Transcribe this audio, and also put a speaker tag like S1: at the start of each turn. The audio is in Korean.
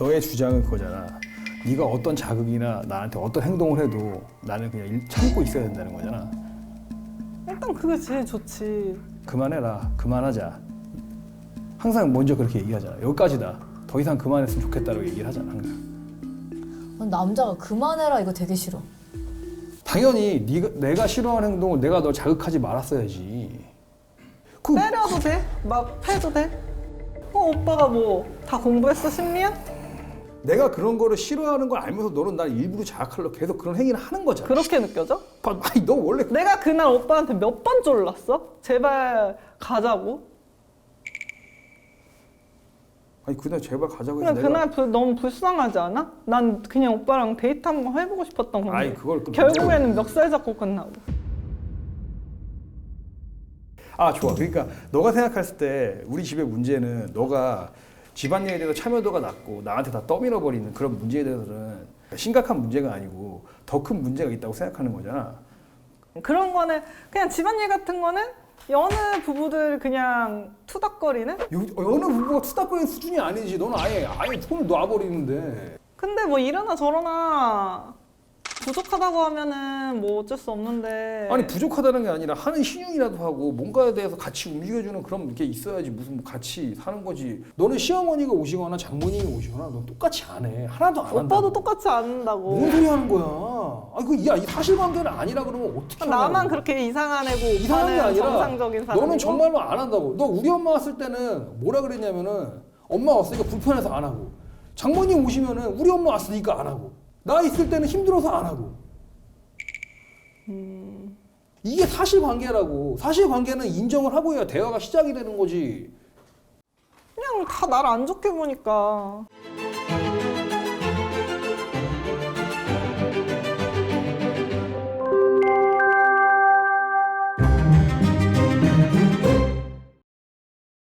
S1: 너의 주장은 그거잖아. 네가 어떤 자극이나 나한테 어떤 행동을 해도 나는 그냥 참고 있어야 된다는 거잖아.
S2: 일단 그게 제일 좋지.
S1: 그만해라. 그만하자. 항상 먼저 그렇게 얘기하잖아. 여기까지다. 더 이상 그만했으면 좋겠다라고 얘기를 하잖아. 항상.
S3: 남자가 그만해라 이거 되게 싫어.
S1: 당연히 내가 싫어하는 행동을 내가 널 자극하지 말았어야지.
S2: 때려도 돼? 막 패도 돼? 오빠가 뭐 다 공부했어 심리학?
S1: 내가 그런 거를 싫어하는 걸 알면서 너는 날 일부러 자극하려고 계속 그런 행위를 하는 거잖아.
S2: 그렇게 느껴져?
S1: 아니 너 원래
S2: 내가 그날 오빠한테 몇 번 졸랐어? 제발 가자고?
S1: 아니 그날 제발 가자고 해서
S2: 그냥 그날 너무 불쌍하지 않아? 난 그냥 오빠랑 데이트 한번 해보고 싶었던 건데
S1: 아니 그걸
S2: 결국에는 멱살 잡고 끝나고.
S1: 아 좋아. 그러니까 너가 생각했을 때 우리 집의 문제는 너가 집안일에 대해서 참여도가 낮고 나한테 다 떠밀어버리는 그런 문제에 대해서는 심각한 문제가 아니고 더 큰 문제가 있다고 생각하는 거잖아.
S2: 그런 거는 그냥 집안일 같은 거는 여느 부부들 그냥 투닥거리는?
S1: 어느 부부가 투닥거리는 수준이 아니지. 너는 아예 손을 놔버리는데.
S2: 근데 뭐 이러나 저러나 부족하다고 하면은 뭐 어쩔 수 없는데.
S1: 아니 부족하다는 게 아니라 하는 신용이라도 하고 뭔가에 대해서 같이 움직여주는 그런 게 있어야지. 무슨 뭐 같이 사는 거지. 너는 시어머니가 오시거나 장모님이 오시거나 넌 똑같이 안 해. 하나도 안 한다.
S2: 오빠도 똑같이 안 한다고.
S1: 뭔 소리 하는 거야? 아니 이 사실관계는 아니라 그러면 어떻게 하냐고.
S2: 나만 그렇게 이상한 애고
S1: 이상한 게
S2: 오빠는
S1: 아니라
S2: 정상적인 사람이고.
S1: 너는 정말로 안 한다고. 너 우리 엄마 왔을 때는 뭐라 그랬냐면은 엄마 왔으니까 불편해서 안 하고 장모님 오시면은 우리 엄마 왔으니까 안 하고 나 있을 때는 힘들어서 안 하고. 이게 사실관계라고. 사실관계는 인정을 하고 해야 대화가 시작이 되는 거지.
S2: 그냥 다 나를 안 좋게 보니까.